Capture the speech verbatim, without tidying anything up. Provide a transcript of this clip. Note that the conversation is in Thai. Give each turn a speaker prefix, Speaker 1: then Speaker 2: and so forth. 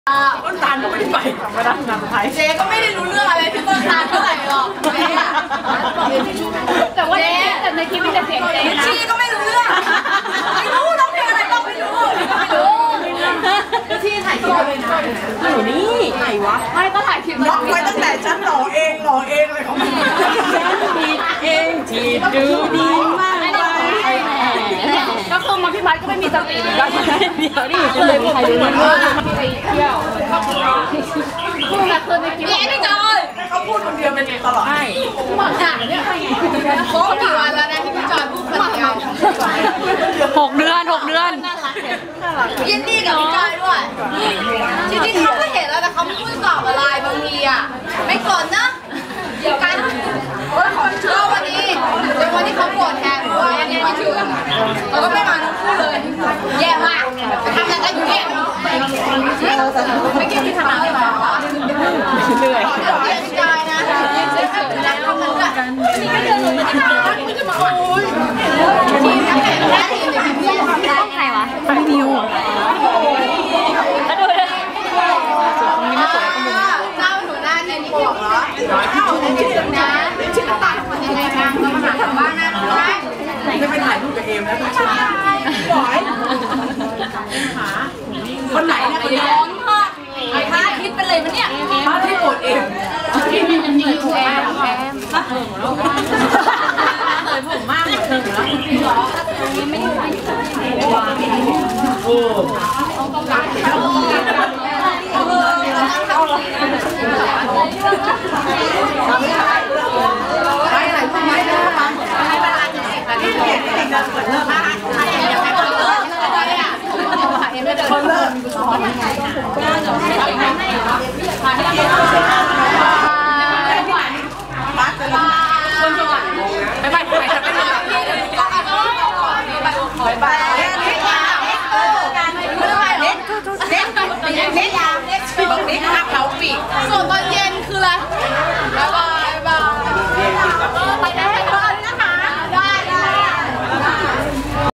Speaker 1: ต้นตาลก็ไม่ได้ไปมาดังงานไทยเจ๊ก็ไม่ได้รู้เรื่องอะไรที่ต้นตาลเท่าไหร่หรอกเจ๊อะแต่ว่าแต่ในคลิปมีแต่เสียงเจ๊นะชีก็ไม่รู้เรื่องไม่รู้น้องเพลงอะไรก็ไม่รู้ไม่รู้ที่ถ่ายคลิปเลยนะอยู่นี่ไหนวะไม่ก็ถ่ายคลิปน้องไว้ตั้งแต่ฉันหล่อเองหล่อเองอะไรของมันฉันผิดเองที่ดูดีมากก็คือมาพี่พัดก็ไม่มีสติเหมือนกันเดี๋ยวนี่เลยผมเป็นเหมือนว่าไปเที่ยวพูดกับคนในคลิปนี่จอยเขาพูดคนเดียวเป็นตลอดใช่หมดอ่ะเนี่ยโค้งกี่วันแล้วนะที่พี่จอยพูดคนเดียว
Speaker 2: หกเดือนหกเดือน
Speaker 1: ยินดีกับพี่จอยด้วยจริงๆเขาก็เห็นแล้วแต่เขาไม่พูดตอบอะไรบางทีอ่ะไม่กดนะเดี๋ยวกันก็วันนี้เดี๋ยววันนี้เขาโกรธแทนเพราะว่าวันนี้ไม่ถึงเราก็ไม่มาทั้งคู่เลยแย่มากทำอะไรกันอยู่เนี่ยไม่คิดที่ทำอะไรหรอเหนื่อยเดี๋ยวเรียนใจนะรักเขาเหมือนกันนี่ก็เดินลงไปที่ร้านไม่จะมาโอ้ยทีมนักแข่งได้ทีมไหนพี่ต้องใครวะพี่นิวแล้วดูเลยเจ้าหนูหน้าทีมบอกเหรอชื่อนะชื่อต่างคนยังไงบ้างมาหาบ้านนะไม่ไปถ่ายรูปกับเอมแล้วต้องชื่อบอยคนไหนนะคนร้อนมากไอ้พาคิดไปเลยมันเนี่ยพาที่โกรธเอมที่มีมันมีอยู่แอมแอมเลยผมมากเลยแล้วจริงเหรอไม่ได้ไม่ได้โอ้ไปไหนไปไหนเดินมาให้เวลาจะสิบนาทีเด็กเด็กเดินเปิดเริ่มมาใครอยากให้คนเลิกอะไรอ่ะเอ็มไม่เดินคนเลิกมีกุศลยังไงนะ